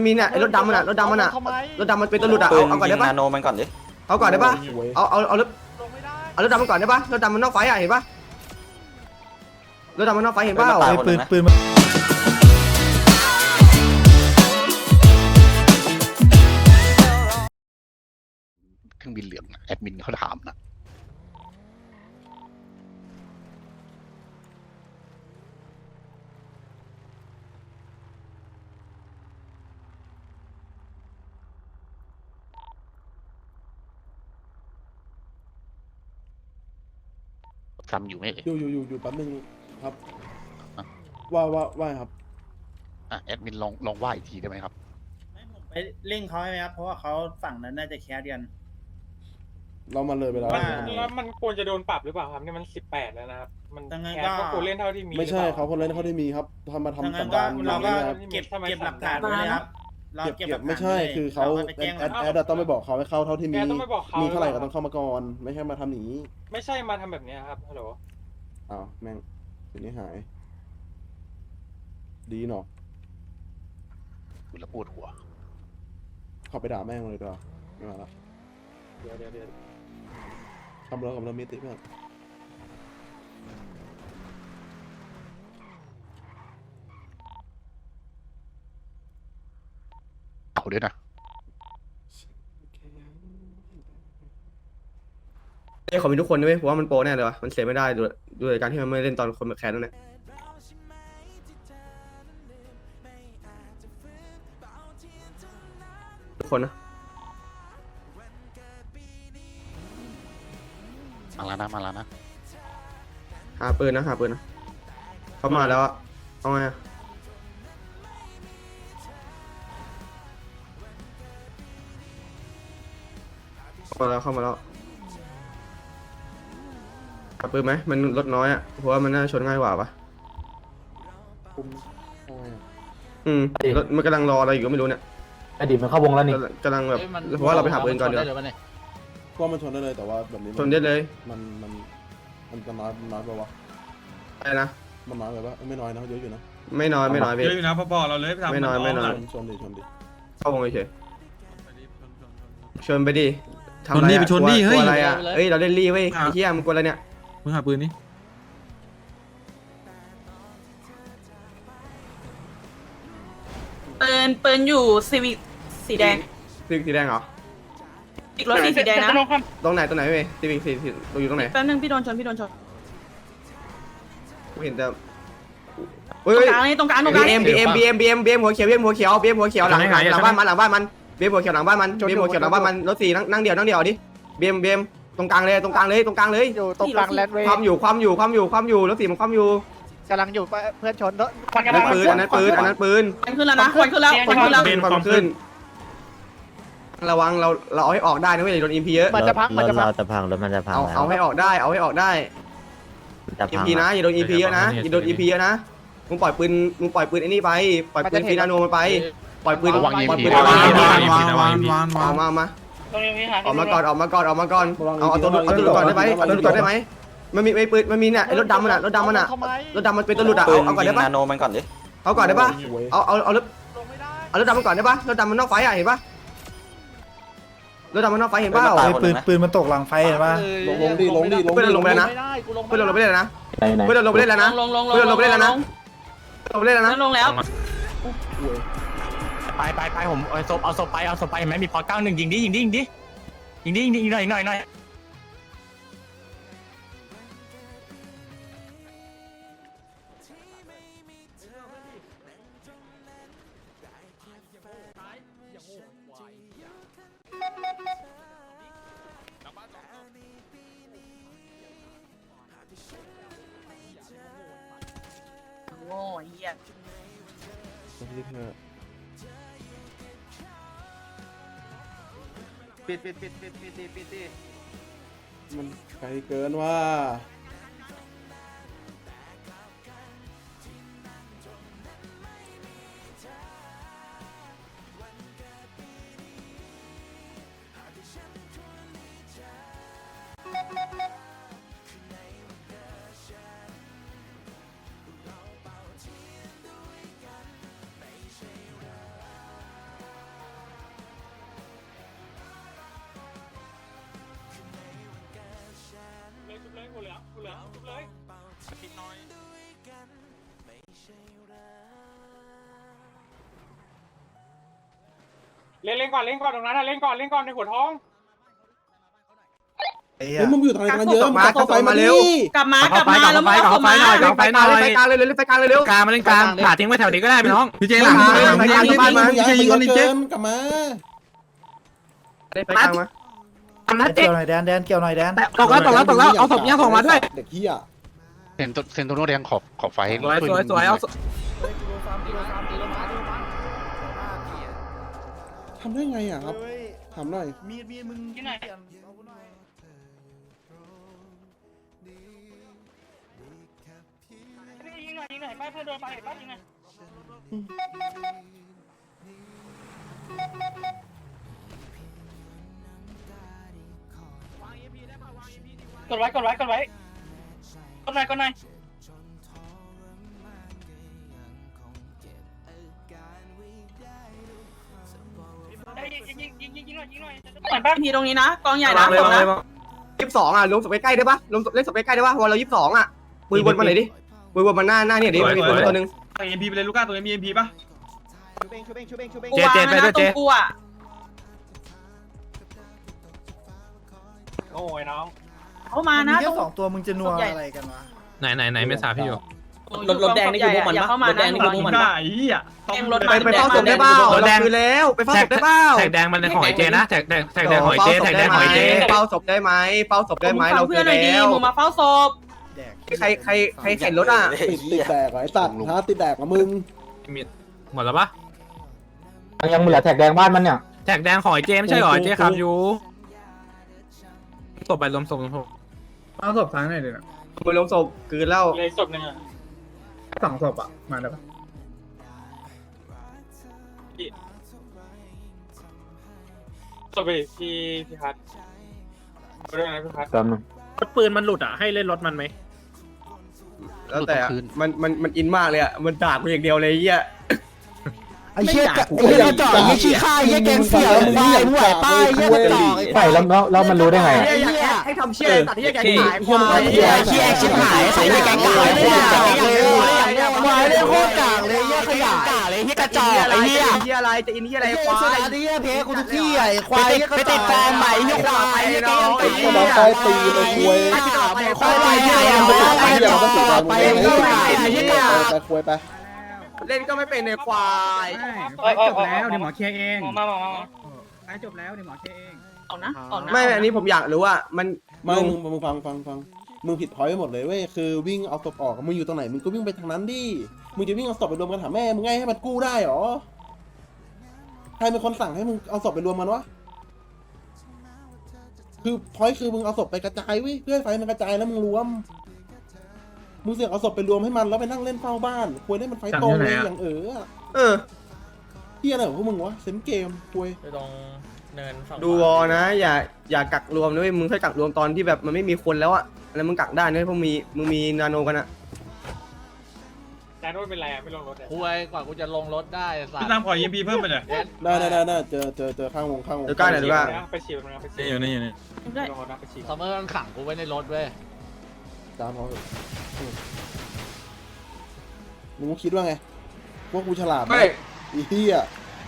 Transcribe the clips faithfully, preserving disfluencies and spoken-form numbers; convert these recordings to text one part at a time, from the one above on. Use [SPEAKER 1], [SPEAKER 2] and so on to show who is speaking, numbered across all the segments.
[SPEAKER 1] มีเนี่ยไอ้รถดำมันอ่ะรถดำมันอ่ะรถดำมันเป็นตัวหลุดอ่ะเอาเอาก่อนได้ปะ
[SPEAKER 2] นาโนมันก่อนดิ
[SPEAKER 1] เอาก่อนได้ปะเอาเอาเอารถเอารถดำมันก่อนได้ปะรถดำมันนอกไฟอ่ะเห็นปะรถดำมันนอกไฟเห็นปะ
[SPEAKER 3] ปืนปืน
[SPEAKER 4] เครื่องบินเหลืองแอดมินเขาถามนะจำอยู่ไหมเอ่ย
[SPEAKER 3] อยู่อยู่อยู่อยู่แป๊บนึงครับว่าว่าว่าครับ
[SPEAKER 4] อ่ะแอดมินลองลองว่าอีกทีได้ไหมครับ
[SPEAKER 5] ไปเร่งเขาให้ไหมครับเพราะว่าเขาฝั่งนั้นน่าจะแคสกัน
[SPEAKER 3] เรามาเลยไปแล้ว
[SPEAKER 6] แล้วมันควรจะโดนปรับหรือเปล่าครับนี่มันสิบแปดแล้วนะครับมันแคสก็ควรเล่นเท่าที่มี
[SPEAKER 3] ไม่ใช่เขาคนเล่นเขาที่มีครับทำมาทำสัญญาณ
[SPEAKER 5] เราก็
[SPEAKER 3] ครับ
[SPEAKER 5] เก็บเก็บหลักฐานไว้เลยครับเรา
[SPEAKER 3] เก็บ
[SPEAKER 5] เก็บห
[SPEAKER 3] เก็
[SPEAKER 5] ลั
[SPEAKER 3] บ
[SPEAKER 5] กฐาน
[SPEAKER 3] ไม่ใช่คือเขาแอดแอดต้องไปบอกเขาให้เข้าเท่าที่มีมีเท่าไหร่ก็ต้องเข้ามาก่อนไม่ใช่มาทำหนี
[SPEAKER 6] ไม่ใช่มาทำแบบนี้ครับฮัลโหล
[SPEAKER 3] อ้าวแม่งทีนี้หายดีเนาะ
[SPEAKER 4] คุณละปวดหัว
[SPEAKER 3] เขาไปด่าแม่งเลยดีกว่าไม่มาละ
[SPEAKER 6] เดี๋ยวเดี๋ยวเดี๋ยว
[SPEAKER 3] ทำแล้วกับเรามีติเพื่อน
[SPEAKER 4] เอาด้วยนะ
[SPEAKER 1] ไอ้ของมีทุกคนด้วยเพราะว่ามันโปรแน่เลยวะมันเสียไม่ได้ด้วยด้วยการที่มันไม่เล่นตอนคนแคสนั่นแหละทุกคนนะ
[SPEAKER 4] มาแล้วนะมาแล้วนะ
[SPEAKER 1] หาปืนนะหาปืนนะเขามาแล้วอะเอาไงอะเข้ามาแล้วเข้ามาแล้วหาปืนไหมมันลดน้อยอะเพราะว่ามันน่าชนง่ายกว่าปะ
[SPEAKER 3] คุมเอาไงอะ
[SPEAKER 1] อืมรถมันกำลังรออะไรอยู่ก็ไม่รู้เนี่ย
[SPEAKER 7] อดีตมันเข้าวงแล้วนี่
[SPEAKER 1] กำลังแบบเพราะว่าเราไปหาปืนก่อนเดี๋ยว
[SPEAKER 3] ก็มันชนได้เลยแต่ว่าแบบนี้
[SPEAKER 1] ชนได้เลย
[SPEAKER 3] มันมันมันจะน้อยน้อยไปวะ
[SPEAKER 1] อะไรนะ
[SPEAKER 3] มันน้อยไปปะไม่น้อยนะเยอะอยู่นะ
[SPEAKER 1] ไม่น้อยไม่น้อยพี่
[SPEAKER 8] เยอะอยู่นะพอบอกเราเลยไปทำ
[SPEAKER 1] ไม่น้อยไม่น้อย
[SPEAKER 3] ชนดิชนดิ
[SPEAKER 1] เข้าวงเฉยชนไปดิ
[SPEAKER 8] ชนนี่ไปชนนี่เฮ้ย
[SPEAKER 1] อะไรอ่ะเฮ้ยเราเล่นรี่เว้ยไอ้เหี้ยมึงกลัวอะไรเนี่ย
[SPEAKER 8] มึงหาปืนนี่
[SPEAKER 9] ปืนปืนอยู่ซีวิกสีแดง
[SPEAKER 1] ซีวิกสีแดงเหรอ
[SPEAKER 9] อีกรถสีสีแดงนะ
[SPEAKER 1] ตรงไหนตรงไหนเว้ยซีวิกสีสีอยู่ตรงไหน
[SPEAKER 9] แป๊บนึงพี่โดนชนพี่โดนชน
[SPEAKER 1] กูเห็นแต่
[SPEAKER 9] ตรงกลางนี่ตรงกลางตรงกลาง
[SPEAKER 1] บีเอ็มบีเอ็มบีเอ็มบีเอ็มบีเอ็มหัวเขียวบีเอ็มหัวเขียวบีเอ็มหัวเขียวหลังหลังหลังบ้านมันหลังบ้านมันบีเอ็มหัวเขียวหลังบ้านมันบีเอ็มหัวเขียวหลังบ้านมันรถสีนั่งนั่งเดียวนั่งเดียวดิบีเอ็มบีเอ็มตรงกลางเลยตรงกลางเลยตรงกลางเลย
[SPEAKER 9] อยู่ตรงกลางแลนด์เวย์
[SPEAKER 1] ความอยู่ความอยู่ความอยู่ความอยู่รถสีมันความอยู่
[SPEAKER 9] กำลังอยู่เพื่อนชนรถ
[SPEAKER 1] อันนั้นปืนอันนั้นปืนอันนั้นปืน
[SPEAKER 9] ควันขึ้นแล้วนะควันขึ้นแล้วควันขึ้นแล้ว
[SPEAKER 1] ความขึ้นระวังเราเราเอาให้ออกได้นะเว้ยโดนอิมพีเยอะ
[SPEAKER 9] มันจะพังมันจะพัง
[SPEAKER 7] เราจะพังรถมันจะพัง
[SPEAKER 1] เอา
[SPEAKER 7] แล้ว
[SPEAKER 1] เอาให้ออกได้เอาให้ออกได้
[SPEAKER 7] จะ
[SPEAKER 1] อิม
[SPEAKER 7] พัง
[SPEAKER 1] พีนะอย่าโดนอิมพีเยอะนะอย่าโดนอิมพีเยอะนะมึงปล่อยปืนมึงปล่อยปืนไอ้นี่ไปปล่อยปืนฟีนาโนมันไปปล่อยปืน
[SPEAKER 4] ระวัง
[SPEAKER 1] ปล่อยปืน
[SPEAKER 4] ระวัง
[SPEAKER 8] วางวางวางวาง
[SPEAKER 1] ออกมามาออกมาก่อนออกมาก่อนออกมาก่อนเอาเอาตัวเอาตัวหลุดก่อนได้ไหมเอาตัวหลุดก่อนได้ไหมมันมีไอ้ปืนมันมีเนี่ยไอ้รถดำมันอ่ะรถดำมันอ่ะรถดำมันเป็นตัวหลุดอ่ะ
[SPEAKER 2] ปื
[SPEAKER 1] เอา
[SPEAKER 2] น
[SPEAKER 1] เอาก่อน
[SPEAKER 2] ยิ
[SPEAKER 1] ได้
[SPEAKER 2] ง
[SPEAKER 1] ปะ
[SPEAKER 2] นาโนมันก่อนดิ
[SPEAKER 1] เอาก่อนได้ปะ
[SPEAKER 3] โว้ย
[SPEAKER 1] เอาเอาเอารถเอารถดำมันก่อนได้ปะรถดำมันนอกไฟอ่ะเห็นปะรถดำมันนอกไฟเห็นปะ
[SPEAKER 3] ปืนปืนมันตกหลังไฟเห็นปะลงลงดิลงดิลง
[SPEAKER 1] เพื่อนเราลงไปแล้วนะเพื่อนเราลงไปเล่นแล้วนะ
[SPEAKER 7] ไหนไหน
[SPEAKER 1] เพื่อนเราลงไปเล่นแล้วนะ
[SPEAKER 9] ลงลงลง
[SPEAKER 1] เพื่อนเราลงไปเล่นแล้วนะลงไปเล่นแล้วนะ
[SPEAKER 9] ลงแล้ว
[SPEAKER 7] ไปไปไปผมเอาศพเอาศพไปเอาศพไปเห็นไหมมีพอเก้าหนึ่งยิงดิยิงดิยิงดิยิงดิยิงดิยิงหน่อยหน่อยหน่อย
[SPEAKER 9] โง่เหี้ย
[SPEAKER 5] ปิดปิดปิดปิดปิดปิดปิดปิด
[SPEAKER 3] มันไกลเกินว่า
[SPEAKER 6] ลืองชุบเลยเล่นเล่นก่อนเล่นก่อนตรงนั้นนะเล่นก่อนเล่นก่อนในหัวท้อง
[SPEAKER 3] เฮ้ยมึงอยู่ทางไหนกันเยอะมึงเข้าไฟมาดิ
[SPEAKER 9] กลับมากลับมาแล้วมึงเอามา
[SPEAKER 1] เล่นไฟกลางเล่นไฟกลางเลยเล่นไฟกลางเลยเร็ว
[SPEAKER 7] กลางมาเล่นกลางขาทิ้งไว้แถวนี้ก็ได้พี่น้อง
[SPEAKER 8] พี่เจหลังพี่หลังพี่ยิงมันพี่เจยิงคนนี้เจ
[SPEAKER 3] กลับมา
[SPEAKER 1] เล่นไฟกลางมา
[SPEAKER 7] ทำนัดเจ๊
[SPEAKER 9] เกี่ยวหน่อยแดนแดนเกี่ยวหน่อยแดน
[SPEAKER 7] ตกแล้วตกแล้วตกแล้วเอาศพเนี้ยส่งมาด้วย
[SPEAKER 3] เด็กเหี้ย
[SPEAKER 4] เซนโตเซนโตโนแดงขอบขอบไฟ
[SPEAKER 7] สวยสวยสวยเอา
[SPEAKER 3] ทำได้ไงอ่ะครับทำหน่อย
[SPEAKER 9] มีดมีดมึงที่ไหน
[SPEAKER 6] ยิงหน่อยยิงหน่อยไปเพื่อนโดนไปไปยิงหน่อยกดไว้กดไว้กดไว้กดหน่อยกดหน่อยยิงยิงยิงยิงยิงหน่อยยิงหน่อยเหมือนบ้าน
[SPEAKER 9] ทีตรงนี้นะกองใหญ่นะผมนะ
[SPEAKER 1] ยี่สิบสองอ่ะลงศพใกล้ๆได้ปะลงเล่นศพใกล้ๆได้ปะวันเรายี่สิบสองอ่ะมือวนมาไหนดิมือวนมาหน้าหน้าเนี่ยดิมีคนตัวนึง
[SPEAKER 8] เอ็มพีไปเลยลูก้าตัวนี้มีเอ็มพีป่ะ
[SPEAKER 9] กูวางนะตรงกูอ่ะ
[SPEAKER 6] โอ้ยน้อง
[SPEAKER 9] เขามานะตรง
[SPEAKER 2] สองตัวมึงจะนัวอะไรกันวะ
[SPEAKER 7] ไหนไหนไหนไม่ทราบพี่อยู่
[SPEAKER 9] รถรถแดงนี่คือพวกมันปะรถแดงนี่คือพวกมันปะ
[SPEAKER 8] ไอ้เหี้ย
[SPEAKER 1] ไปไปเฝ้าศพได้เปล่าเราคือแล้วไปเฝ้าศพได้เปล่า
[SPEAKER 7] แท็กแดงมันในของไอเจนะแท็กแดงแท็กแดงของไอเจแท็กแดงของไอเจ
[SPEAKER 1] เฝ้าศพได้ไหมเฝ้าศพได้ไหมเรา
[SPEAKER 9] เพื่
[SPEAKER 1] คือ อน
[SPEAKER 9] หน่อยดี
[SPEAKER 1] แล้ว
[SPEAKER 9] มึงมาเฝ้าศพ
[SPEAKER 1] ใครใครใครเข็นรถอ่ะ
[SPEAKER 3] ติดติดแดกไอ้สัตว์ฮะติดแดกกับมึง
[SPEAKER 7] หมดแล้วปะ
[SPEAKER 2] ยังเหลือแท็กแดงบ้านมันเนี่ย
[SPEAKER 7] แท็กแดงของไอเจไม่ใช่หรอไอเจครับอยู่ศพไปรวมศพรวมศพ
[SPEAKER 2] เอาศพทั้งไหนเลยนะ
[SPEAKER 1] มือลงศพคืนแล้ว
[SPEAKER 6] เลยศพหนึ่งอ่ะ
[SPEAKER 2] สองศพอ่ะมาแล้วปะ
[SPEAKER 6] ศพไปพี่พี่พัดไปด้วยนะพี่พัด
[SPEAKER 2] แป๊บนึง
[SPEAKER 7] รถปืนมันหลุดอ่ะให้เล่นรถมันไหม
[SPEAKER 1] แล้วแต่มันมันมันอินมากเลยอ่ะมันด่ากูอย่างเดียวเลยเหี้ย
[SPEAKER 2] ไอ้เชี่ยไอ้เชี่ยจ่อไอ้ชี้ข้าไอ้แกงเสียมึงไหวมึงไหวป้ายไอ้เชี่ยจ่อไอ้แล้วแล้วมันรู้ได้ไง
[SPEAKER 1] อยากให้ทำเชี่ยตัดที่แกขายควาย
[SPEAKER 2] เชี่ยเชี่ยชิบหายใส่แกงกากเลยควายเลยโคตรกากเลยเหี้ยขยะกากเลยเหี้ยกระจอกไอ้เหี้ย
[SPEAKER 1] เหี้ยอะไรจะอินเหี้ยอะไรควาย
[SPEAKER 2] ไอ้เหี้ยเพกูทุกที่ไอ้ควายไปติดฟอร์มใหม่เหี้ยควายเหี้ยแกงตี
[SPEAKER 3] ก็มาใต้ตีเลยคุย
[SPEAKER 2] ควายไปเหี้ยไปเหี้ยไปเหี้ยไปเหี้ย
[SPEAKER 3] ไปคุยไป
[SPEAKER 1] เล่นก็ไม่เป็นในควาย
[SPEAKER 2] จบแล้วเดี๋ยวหมอเคลียร์เอง
[SPEAKER 6] มามามามา
[SPEAKER 2] ไอ้จบแล้วเดี๋ยวหมอเคลียร์เอง
[SPEAKER 9] ออกนะออกนะ
[SPEAKER 1] ไม่อันนี้ผมอยากรู้ว่ามัน
[SPEAKER 3] ไม่มึงมึงฟังฟังฟังมึงผิดพอยต์ไปหมดเลยเว้ยคือวิ่งเอาศพออกมึงอยู่ตรงไหนมึงก็วิ่งไปทางนั้นดิมึงจะวิ่งเอาศพไปรวมกันหาแม่มึงไงให้มันกู้ได้หรอใครเป็นคนสั่งให้มึงเอาศพไปรวมมันวะคือพอยต์คือมึงเอาศพไปกระจายเว้ยเพื่อให้ไฟมันกระจายแล้วมึงรวมมึงเสียเอาศพไปรวมให้มันแล้วไปนั่งเล่นเฝ้าบ้านควรได้มันไฟตรงเลยอย่างเออ
[SPEAKER 1] เออ
[SPEAKER 3] เฮียอะไรของพวกมึงวะเซนเกมคุย
[SPEAKER 7] ตรงเนินฝั่ง
[SPEAKER 1] ดูวอนะอย่าอย่ากักรวมนะเว้ยมึงค่อยกักรวมตอนที่แบบมันไม่มีคนแล้วอะแล้วมึงกักได้นะพวกมีมึงมีนาโนกันอะ
[SPEAKER 6] แต่นู้นเป็นไรอ่ะไม่ลงรถอ่ะ
[SPEAKER 10] คุยกว่ากูจะลงรถได้สัต
[SPEAKER 8] พี่
[SPEAKER 10] ว์
[SPEAKER 8] ตามขอเอ็มพีเพิ่มไปเลย
[SPEAKER 3] ได้ได้ได้ได้เจอเจอเจอข้างวงข้างวง
[SPEAKER 1] เดี๋ยวก้าหน่อยดูว่า
[SPEAKER 6] ไปฉีดมันไปฉีด
[SPEAKER 8] อยู่นี่อยู่นี่
[SPEAKER 9] ได้
[SPEAKER 6] ลงรถนะไปฉีด
[SPEAKER 10] ซัมเมอร์มันขังกูไว้ในรถเว้ย
[SPEAKER 3] ตามเขาเถอะมึงคิดว่าไงพวกกูฉลาดไหมอีเหี้ย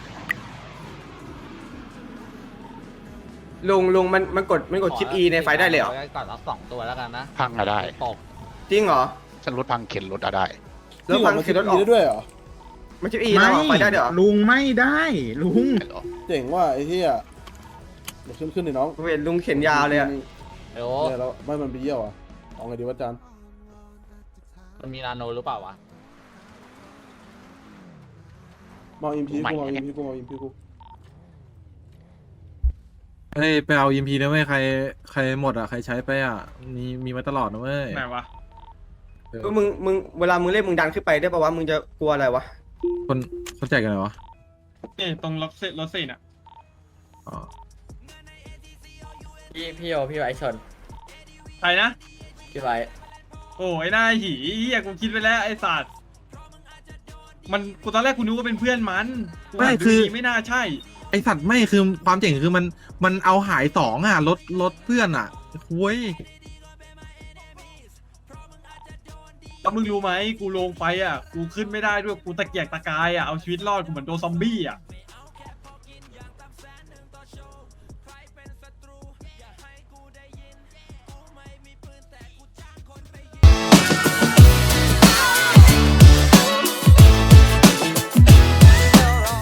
[SPEAKER 1] ลุงลุงมันมันกดมันกดชิป E ในไฟได้เลยเหรอ
[SPEAKER 10] ก่อนรับสองตัวแล้วกันนะ
[SPEAKER 4] พังอะได้
[SPEAKER 10] ตก
[SPEAKER 1] จริงเหรอ
[SPEAKER 4] ฉันรถพังเข็นรถอะได้
[SPEAKER 1] แล้วฟัง
[SPEAKER 3] มัน
[SPEAKER 1] คือรถออก
[SPEAKER 3] ได้ด้วยเหรอ
[SPEAKER 1] มันชิป E นะไฟได้ด้วยเหรอ
[SPEAKER 2] ลุงไม่ได้ลุง
[SPEAKER 4] เหรอ
[SPEAKER 3] เจ๋งว่าไอ้เหี้ยเดี๋ยวขึ้นขึ้นดิน้อง
[SPEAKER 1] ผมเห็นลุงเข็นยาวเลยอะ
[SPEAKER 10] เดี๋ยว
[SPEAKER 3] เนี่ยแล้วไม่มันไปเยี่ยวอ่ะเอาไงดีวะจาน
[SPEAKER 10] มันมีนาโนหรือเปล่าวะ
[SPEAKER 3] มองอิมพีกูมองอิมพีกูมองอิมพีกู
[SPEAKER 8] เฮ้ยไปเอายิมพีนะเว้ยใครใครหมดอ่ะใครใช้ไปอ่ะมีมีมาตลอดนะเว้ยไหนวะ
[SPEAKER 1] ก็มึงมึงเวลามึงเล่นมึงดันขึ้นไปได้ป่าวะมึงจะกลัวอะไรวะ
[SPEAKER 8] คนเขาแจกกันเหรอวะ
[SPEAKER 5] นี่ตรงรถเซรถเซนอ่ะ
[SPEAKER 8] อ๋อ
[SPEAKER 10] พี่พี่โอพี่ไว้ชน
[SPEAKER 5] ใครนะ
[SPEAKER 10] พี่ไว้
[SPEAKER 5] โอ้ยหน้าหีเฮียกูคิดไปแล้วไอ้สัตว์มันกูตอนแรกกูนึกว่าเป็นเพื่อนมันกูอ่านดูดีไม่น่าใช่
[SPEAKER 8] ไอสัตว์ไม่คือความเจ๋งคือมันมันเอาหายสองอ่ะรถรถเพื่อนอ่ะคุย
[SPEAKER 5] แล้วมึงรู้ไหมกูลงไปอ่ะกูขึ้นไม่ได้ด้วยกูตะเกียกตะกายอ่ะเอาชีวิตรอดกูเหมือนโดนซอมบี้อ่ะ